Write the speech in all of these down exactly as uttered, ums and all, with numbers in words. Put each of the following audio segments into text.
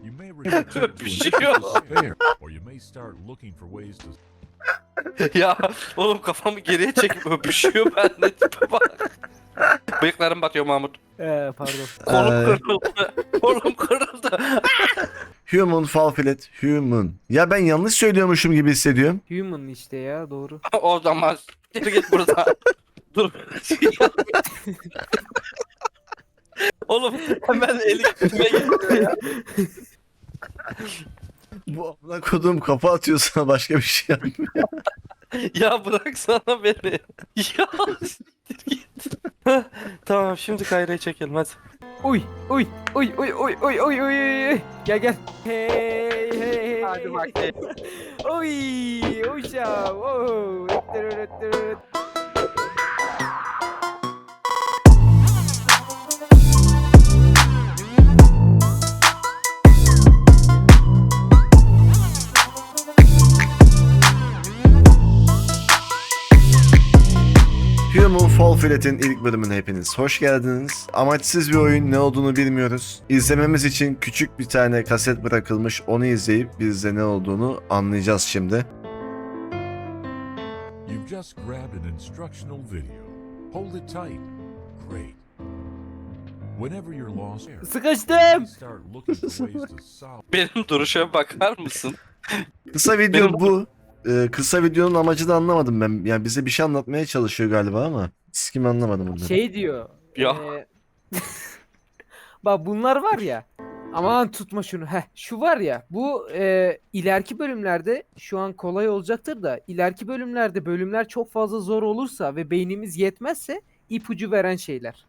You may return to Öpüşüyor. despair, or you may start looking for ways to Ya oğlum kafamı geriye çekip öpüşüyor ben de tipe bak. Bıyıklarım batıyor Mahmut. Ee, pardon. Kolum Ee. kırıldı. Kolum kırıldı. Human fall flat. Human. Ya ben yanlış söylüyormuşum gibi hissediyorum. Human işte ya doğru. O zaman git git buradan. Dur. Oğlum hemen eli gitmeye gitti ya. Bu amına koduğum kafa atıyor sana başka bir şey yapmıyor. Ya bıraksana beni. Ya siktir git. Heh, tamam şimdi Kayra'yı çekelim hadi. Uy uy uy uy uy uy uy uy. Gel gel. Hey hey hey. Hadi bakayım. Uy uşağım. Oh. Öttür, öttür. Human Fall Flat'in ilk bölümüne hepiniz hoş geldiniz. Amaçsız bir oyun, ne olduğunu bilmiyoruz. İzlememiz için küçük bir tane kaset bırakılmış, onu izleyip biz de ne olduğunu anlayacağız şimdi. You've just grabbed an instructional video. Hold it tight. Great. Whenever you're lost, Sıkıştım. start looking for ways to solve. Benim duruşa bakar mısın? Kısa video Benim- bu. Ee, kısa videonun amacı da anlamadım ben. Yani bize bir şey anlatmaya çalışıyor galiba ama siz kimi anlamadım bunları. Şey diyor. Ya. e, Bak bunlar var ya. Aman tutma şunu. Heh, şu var ya. Bu e, ileriki bölümlerde şu an kolay olacaktır da ileriki bölümlerde bölümler çok fazla zor olursa ve beynimiz yetmezse ipucu veren şeyler.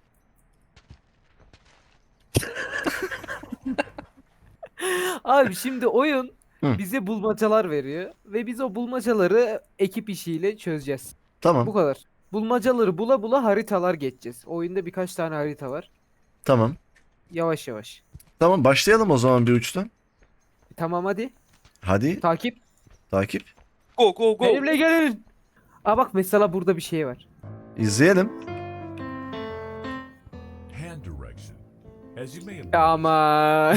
Abi şimdi oyun Hı. bize bulmacalar veriyor ve biz o bulmacaları ekip işiyle çözeceğiz. Tamam, Bu kadar. Bulmacaları bula bula haritalar geçeceğiz. Oyunda birkaç tane harita var. tamam. Yavaş yavaş. Tamam, başlayalım o zaman bir uçtan. Tamam hadi. Hadi, Takip. takip. Go go go. Benimle gelin. Aa bak mesela burada bir şey var. İzleyelim. Hand direction. As you may have Ya noticed, ama.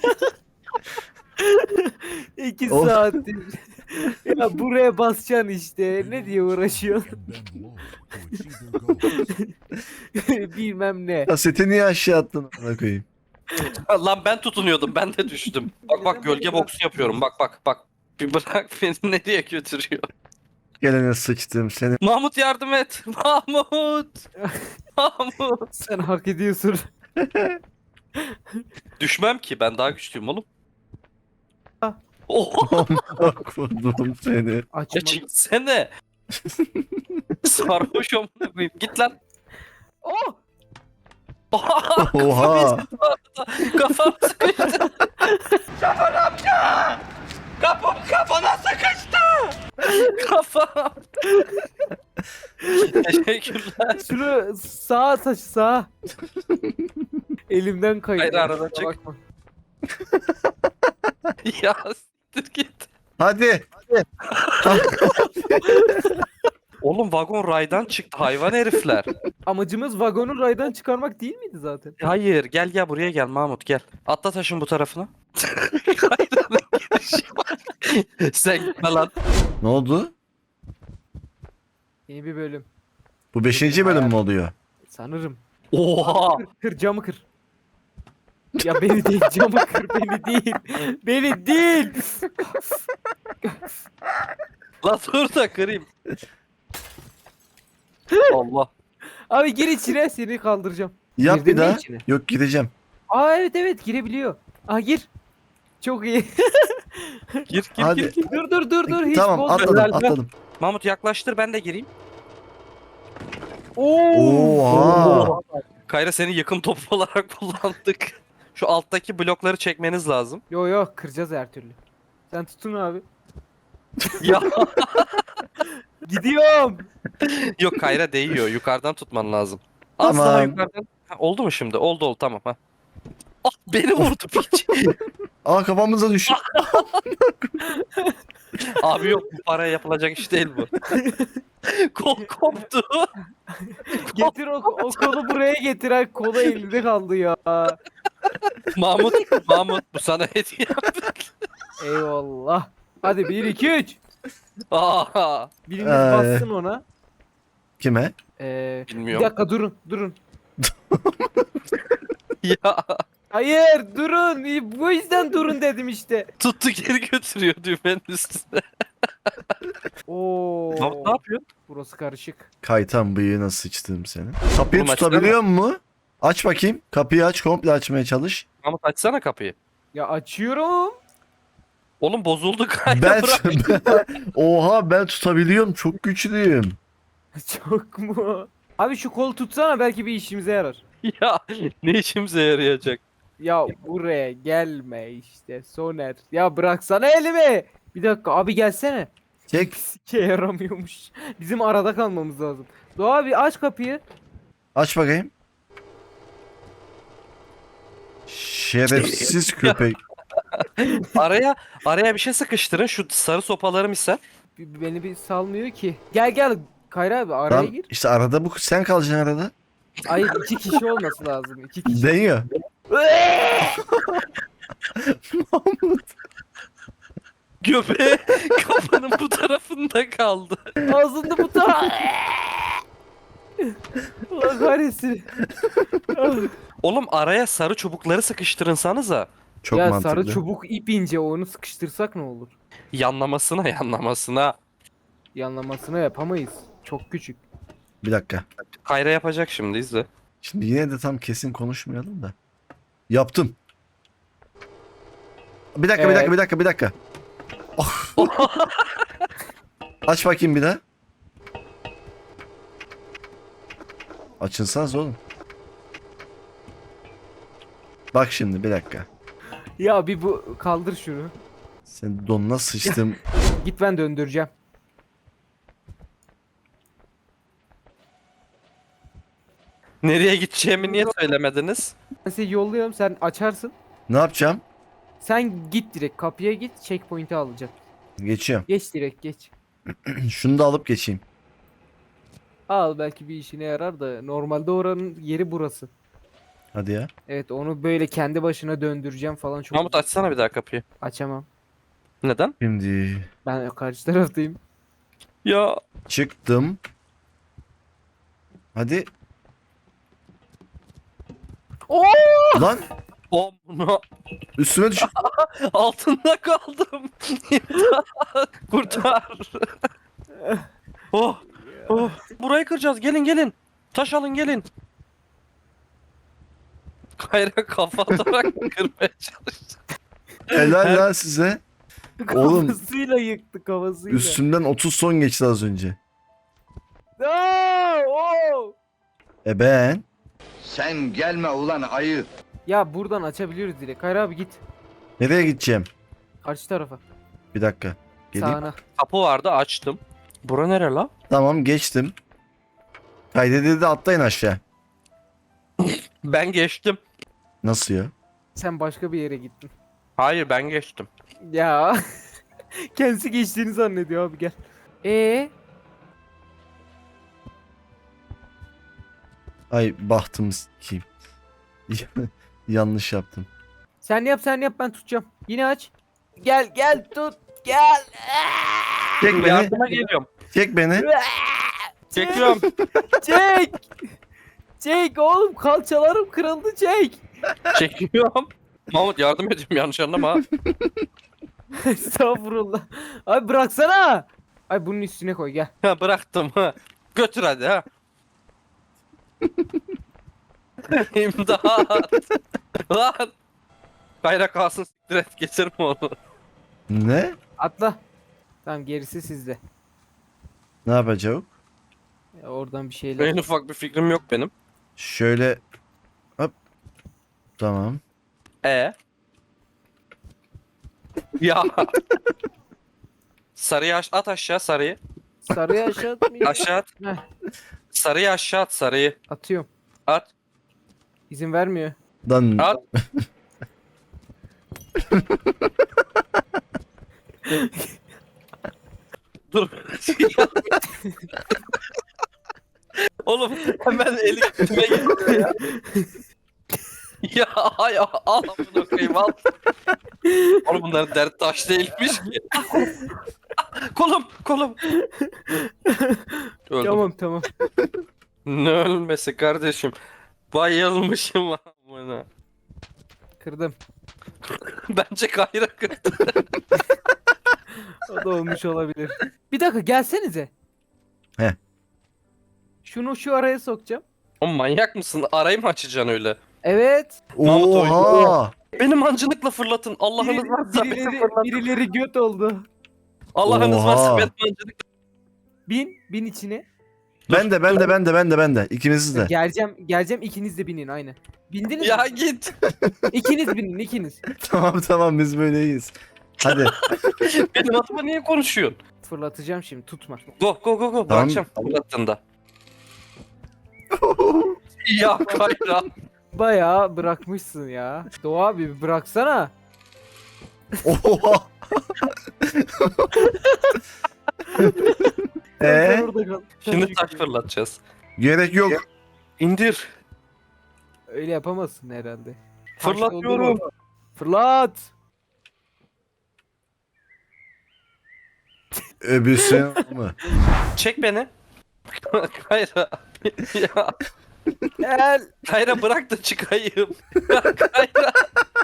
İki Of. saattir. Ya buraya basacaksın işte. Ne diye uğraşıyorsun? and bend low to achieve their goals. Bilmem ne. Kaseti niye aşağı attın amına koyayım? Lan ben tutunuyordum ben de düştüm. Bak bak gölge boksu yapıyorum bak bak bak. Bir bırak beni nereye götürüyor. Gelene sıçtım seni. Mahmut yardım et. Mahmut. Mahmut. Sen hak ediyorsun. Düşmem ki ben daha güçlüyüm oğlum. Ah. Oha Amına koydum seni. ya Açma. çeksene. Sarhoş amına koyayım. Git lan. Oh! Oha. Oha. Kafam sıkıştı. Şoför amca. Kapım kafana sıkıştı. Kafam. Teşekkürler. Şunu sağa taşı sağa. Elimden kaydı. Hayır, aradan çık. Bakma. Ya siktir git. Hadi. Oğlum vagon raydan çıktı hayvan herifler. Amacımız vagonu raydan çıkarmak değil miydi zaten? Hayır gel gel buraya gel Mahmut gel. Atla taşın bu tarafına. Kayranın girişi var. Sen gitme lan. Ne oldu? Yeni bir bölüm. Bu beşinci bölüm mü oluyor? Sanırım. Oha. Kır, kır camı kır. Ya beni değil camı kır beni değil. Beni değil. Lan dur da kırayım. Allah. Abi gir içine seni kaldıracağım. Yap Girdin bir mi daha. içine? Yok, gireceğim. Aa evet evet girebiliyor. Aa gir. Çok iyi. Gir gir Hadi. gir, gir. dur dur dur dur hiç Tamam, bozma. atladım Helal be. atladım. Mahmut yaklaştır ben de gireyim. Oo. Oha. Kayra seni yakın top olarak kullandık. Şu alttaki blokları çekmeniz lazım. Yo yo kıracağız her türlü. Sen tutun abi. Ya Gidiyorum. yok Kayra değiyor. Yukarıdan tutman lazım. Az Tamam. daha yukarıdan. Ha, oldu mu şimdi? Oldu oldu tamam ha. Ah beni vurdu piç. Aa, kafamıza düştü. Abi yok bu paraya yapılacak iş değil bu. Kol koptu. Getir o, o kolu buraya getir. Ha, kolu elinde kaldı ya. Mahmut, Mahmut bu sana hediye. Eyvallah. Hadi bir iki üç. Aa, Biriniz Ay. bassın ona. Kime? Ee, bir bilmiyorum. dakika durun durun. Ya Hayır durun. Bu yüzden durun dedim işte. tuttu geri götürüyor düğmenin üstüne. Oo. Mahmut ne yapıyorsun? Burası karışık. Kaytan bıyığına sıçtım seni. Kapıyı Oğlum açsana. tutabiliyor mu? Aç bakayım. Kapıyı aç, komple açmaya çalış. Mahmut açsana kapıyı. Ya açıyorum. Oğlum bozuldu galiba. Ben, Bırak. oha ben tutabiliyorum. Çok güçlüyüm. Çok mu? Abi şu kolu tutsana belki bir işimize yarar. Ya ne işimize yarayacak? Ya buraya gelme işte Soner. Ya bıraksana elimi. Bir dakika abi gelsene. Çek. Sike yaramıyormuş. Bizim arada kalmamız lazım. Doğa abi aç kapıyı. Aç bakayım. Şerefsiz köpek. Araya araya bir şey sıkıştırın şu sarı sopaları misal. B- Beni bir salmıyor ki. Gel gel Kayra abi araya Tamam, gir. işte arada bu sen kalacaksın arada. Hayır iki kişi olması lazım. İki kişi. Deniyor. Göbeği kafanın bu tarafında kaldı. Ağzında bu taraf. Allah kahretsin. Oğlum araya sarı çubukları sıkıştırınsanıza. Çok ya mantıklı. sarı çubuk ip ince onu sıkıştırsak ne olur? Yanlamasına yanlamasına. Yanlamasına yapamayız. Çok küçük. Bir dakika. Kayra yapacak şimdi izle. Şimdi yine de tam kesin konuşmayalım da. Yaptım. Bir dakika, bir Evet. dakika, bir dakika, bir dakika. Oh. Aç bakayım bir daha. Açınsanız oğlum. Bak şimdi bir dakika. Ya bir bu kaldır şunu. Sen donuna sıçtım. Git ben döndüreceğim. Nereye gideceğimi niye söylemediniz? Ben seni yolluyorum sen açarsın. Ne yapacağım? Sen git direkt kapıya git checkpoint'i alacaksın. Geçiyorum. Geç direkt geç. Şunu da alıp geçeyim. Al belki bir işine yarar da normalde oranın yeri burası. Hadi ya. Evet onu böyle kendi başına döndüreceğim falan çok Mahmut açsana bir daha kapıyı. açamam. Neden? Şimdi Ben karşı taraftayım. Ya çıktım. Hadi. Oo! Lan o bunu üstüme düş. altında kaldım. İmdat, kurtar. oh, oh. Burayı kıracağız. Gelin gelin. Taş alın gelin. Kayra kafa atarak kırmaya çalıştı. Helal lan size. Oğlum. Kafasıyla yıktı kafasıyla. Üstümden otuz son geçti az önce. Aa, oo! E ben. Sen gelme ulan ayı. Ya buradan açabiliyoruz direkt. Kayra abi git. Nereye gideceğim? Karşı tarafa. Bir dakika. Geleyim. Sağına. Kapı vardı açtım. Bura nere la? Tamam geçtim. Kaydedildi atlayın aşağı. Ben geçtim. Nasıl ya? Sen başka bir yere gittin. Hayır ben geçtim. Ya. Kendisi geçtiğini zannediyor abi gel. Ee, Ay bahtım kim? Yanlış yaptım. sen yap sen yap ben tutacağım. Yine aç. Gel gel tut. Gel. Çek beni. Yardıma geliyorum. Çek beni. Çekiyorum. Çek. Çek oğlum kalçalarım kırıldı çek. Çekiyorum. Mahmut yardım ediyorum yanlış anlama. ha. Estağfurullah. Abi bıraksana. Ay bunun üstüne koy gel. Ha, bıraktım ha. Götür hadi ha. İmdat. Lan. Kayra kalsın siktir et getirme onu. Ne? Atla. Tamam gerisi sizde. Ne yapacağım? Ya oradan bir şeyler. En ufak bir fikrim yok benim. Şöyle. Hop. Tamam. E. Ya. Sarıyı aş- at aşağı sarıyı. Sarıya aşağı atmayayım. Aşağı at. Heh, Sarıyı aşağı at sarıyı. atıyorum. At. İzin vermiyor. Lan. At. Dur. Oğlum hemen eli götüme gitti ya. Ya. Ay al amına koyayım al. Oğlum bunların dert taş değilmiş ki. Kolum kolum. Öldüm. Tamam tamam. Ne ölmesi kardeşim. Bayılmışım amına. Kırdım. Bence Kayra kırdı. O da olmuş olabilir. Bir dakika gelsenize. He. Şunu şu araya sokacağım. Oğlum manyak mısın? Arayı mı açacaksın öyle? Evet. Mahmut oynuyor. Oha! Beni mancınıkla fırlatın. Allah'ınız Biri- varsa beni birileri, fırlatın. birileri göt oldu. Allah'ınız Oha. varsa beni mancınıkla. Bin, bin içine. Ben de ben de ben de ben de ben de. İkimiz de. Geleceğim, geleceğim ikiniz de binin aynı. Bindiniz Ya mi? git. İkiniz binin, ikiniz. Tamam tamam biz böyleyiz. Hadi. Benim adıma niye konuşuyorsun? Fırlatacağım şimdi, tutma. Go go go go. Tamam. Bırakacağım. Fırlattığında. Ya Kayra. Bayağı bırakmışsın ya. Doğa abi bir bıraksana. Oha! Sen Eee? orada kal. Şimdi taş fırlatacağız. Gerek yok. İndir. Öyle yapamazsın herhalde. Taş Fırlatıyorum. doldurma. Fırlat. Öbürsün mı? Çek beni. Kayra. Ya Gel. Kayra bırak da çıkayım. Ya Kayra.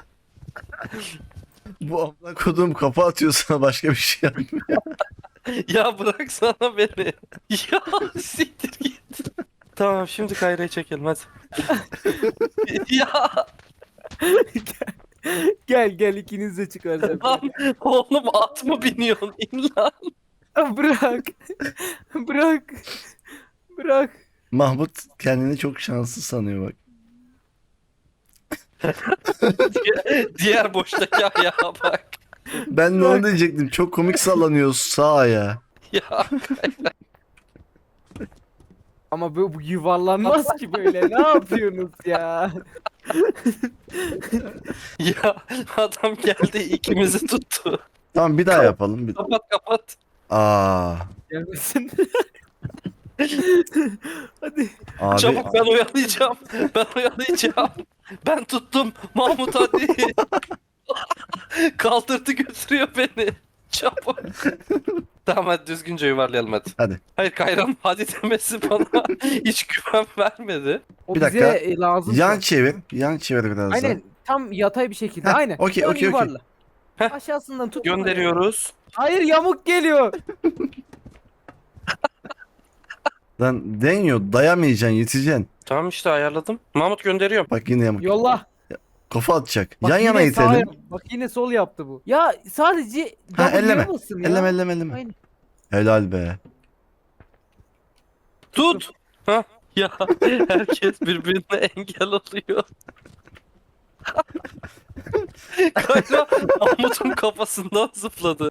Bu amına kodum kafa atıyor sana başka bir şey yapmıyor. Ya bıraksana beni. Ya siktir git. Tamam şimdi Kayra'yı çekelim hadi. Ya Gel gel ikiniz de çıkaracağım. lan oğlum at mı biniyorsun? İn lan. Bırak. Bırak. Bırak. Mahmut kendini çok şanslı sanıyor bak. Diğer, diğer boştaki ayağa bak. Ben de onu diyecektim. Çok komik sallanıyor sağ ayağı. Ya Ama bu, bu yuvarlanmaz ki böyle. Ne yapıyorsunuz ya? ya adam geldi ikimizi tuttu. Tamam bir daha yapalım. Bir... Kapat kapat. Aa, Gelmesin. Hadi. abi Çabuk ben oyalayacağım. Ben oyalayacağım. Ben tuttum. Mahmut hadi. Kaldırdı götürüyor beni. Çabuk. Tamam hadi düzgünce yuvarlayalım hadi. Hadi. Hayır Kayran hadi demesi bana hiç güven vermedi. O Bir bize dakika. e, lazım. yan çevir. Yan çevir biraz daha. Aynen. Tam yatay bir şekilde. Heh, Aynen. okey, Dön, okey, okey. yuvarla. Heh. Aşağısından tut. Gönderiyoruz. Hayır yamuk geliyor. Lan deniyor dayamayacaksın yeteceksin. Tamam işte ayarladım. Mahmut gönderiyorum. Bak yine yamuk. Yolla. Kafa atacak. Bak yan yana yine sağ itelim. yap- Bak yine sol yaptı bu. Ya sadece Ha, W'ye elleme. basın ya. Elleme elleme elleme. Aynen. Helal be. Tut. Ha ya herkes birbirine engel oluyor. Kayra Mahmut'un kafasından zıpladı.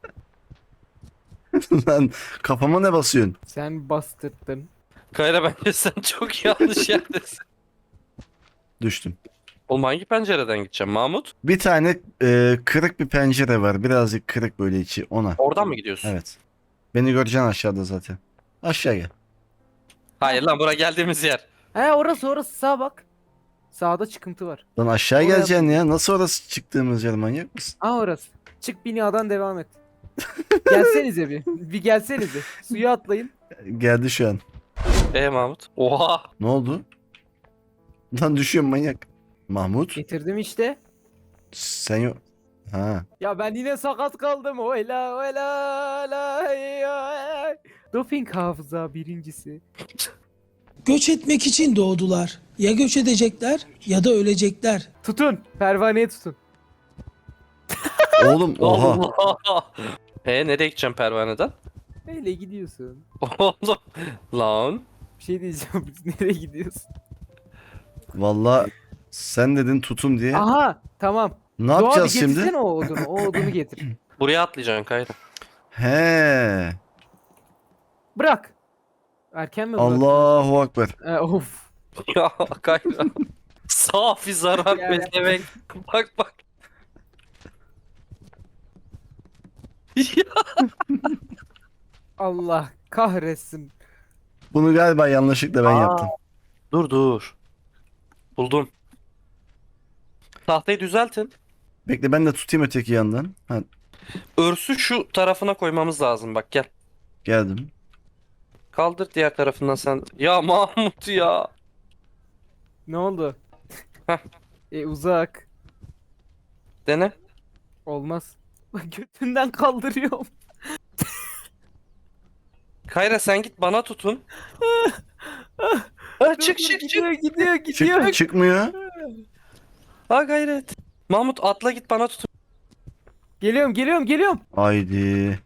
Lan kafama ne basıyorsun? Sen bastırdın. Kayra bence sen çok yanlış yerdesin. Düştüm. Oğlum hangi pencereden gideceğim Mahmut? Bir tane e, kırık bir pencere var. Birazcık kırık böyle içi ona. Oradan mı gidiyorsun? Evet. Beni göreceksin aşağıda zaten. Aşağı gel. Hayır lan bura geldiğimiz yer. He orası orası sağ bak. Sağda çıkıntı var. Lan aşağı Oraya geleceksin ya. Nasıl orası çıktığımız yer manyak mısın? Aa orası. Çık binadan devam et. Gelsenize bir. Bir gelsenize. Suya atlayın. Geldi şu an. E Mahmut? Oha. Ne oldu? Lan düşüyorum manyak. Mahmut Getirdim işte. sen yok. Ha. Ya ben yine sakat kaldım. Oyla oyla la ya. Doping hafıza birincisi. Göç etmek için doğdular. Ya göç edecekler ya da ölecekler. Tutun. Pervaneye tutun. Oğlum oha. Allah. E nereye gideceğim pervaneden? Öyle gidiyorsun. Oğlum. Lan. Bir şey diyeceğim. Biz nereye gidiyorsun? Valla sen dedin tutun diye. Aha tamam. Ne Doğa bir yapacağız şimdi? getirsene o odunu. O odunu getir. Buraya atlayacaksın Kayra. He. Bırak. Erken mi bırak? Allahu Ekber. E, of. Ya Kayra. Safi zarar Ya. be demek. Bak bak. Ya. Allah kahretsin. Bunu galiba yanlışlıkla ben Aa. yaptım. Dur dur. Buldum. Tahtayı düzeltin. Bekle ben de tutayım öteki yandan. Ha, Örsü şu tarafına koymamız lazım bak gel. geldim. Kaldır diğer tarafından sen. Ya Mahmut ya. Ne oldu? Heh. E uzak. Dene. Olmaz. Götünden kaldırıyorum. Kayra sen git bana tutun. Ha, çık çık çık. Gidiyor gidiyor gidiyor. Çık, çıkmıyor. Ha gayret. Mahmut atla git bana tutun. Geliyorum geliyorum geliyorum. Haydi.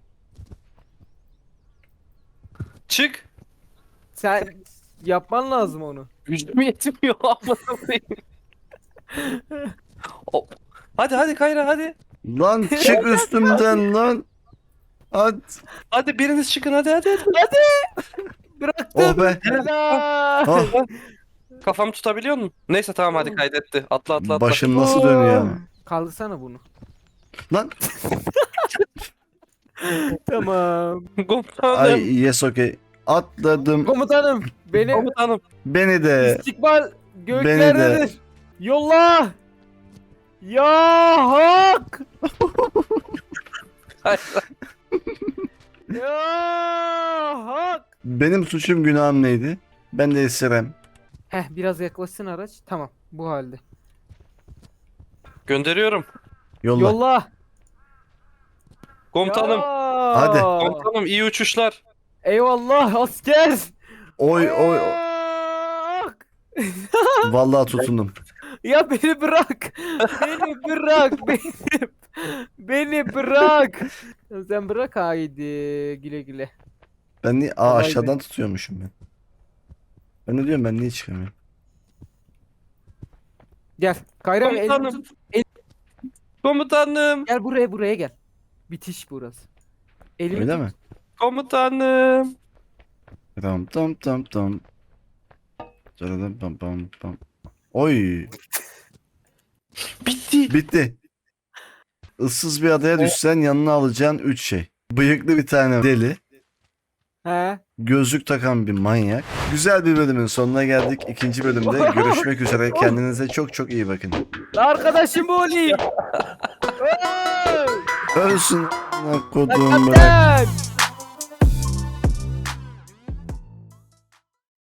Çık. Sen yapman lazım onu. Gücüm yetmiyor amına koyayım. Hop. Hadi hadi Kayra hadi. Lan çık üstümden lan. Hadi. Hadi biriniz çıkın hadi hadi. hadi. Bıraktım. Oh be. Aa! Ah, Kafamı tutabiliyor musun? Neyse tamam hadi kaydetti. Atla atla atla. başım nasıl dönüyor ama. Kaldırsana bunu. Lan. Tamam. Komutanım. Ay yes okay. Atladım. Komutanım beni Komutanım. Beni de. istikbal göklerdedir. Yolla. Ya hak. Kayra. Ya hak. Benim suçum günahım neydi? Ben de esirem. Heh biraz yaklaşsın araç. Tamam bu halde. Gönderiyorum. Yolla. Yolla. Komutanım. Ya. Hadi. Komutanım iyi uçuşlar. Eyvallah asker. Oy oy. oy. Hak. Vallahi tutundum. Ya beni bırak. Beni bırak. Beni, beni bırak. Ya sen bırak haydi. Güle güle. Ben niye Aa, Kolay aşağıdan tutuyormuşum ben. Ben ne diyorum ben niye çıkamıyorum? Gel. Kayra elini Komutanım. tut. Komutanım. Gel buraya buraya gel. Bitiş burası. Elini Öyle tut. mi? Komutanım. Tam tam tam tam. Tam pam pam pam. Oy. Bitti. Bitti. Issız bir adaya düşsen yanına alacağın üç şey. Bıyıklı bir tane deli. He. Gözlük takan bir manyak. Güzel bir bölümün sonuna geldik. İkinci bölümde görüşmek üzere. Kendinize çok çok iyi bakın. Arkadaşım bu olayım. Ölsün. Kodum bırak. Kaptan.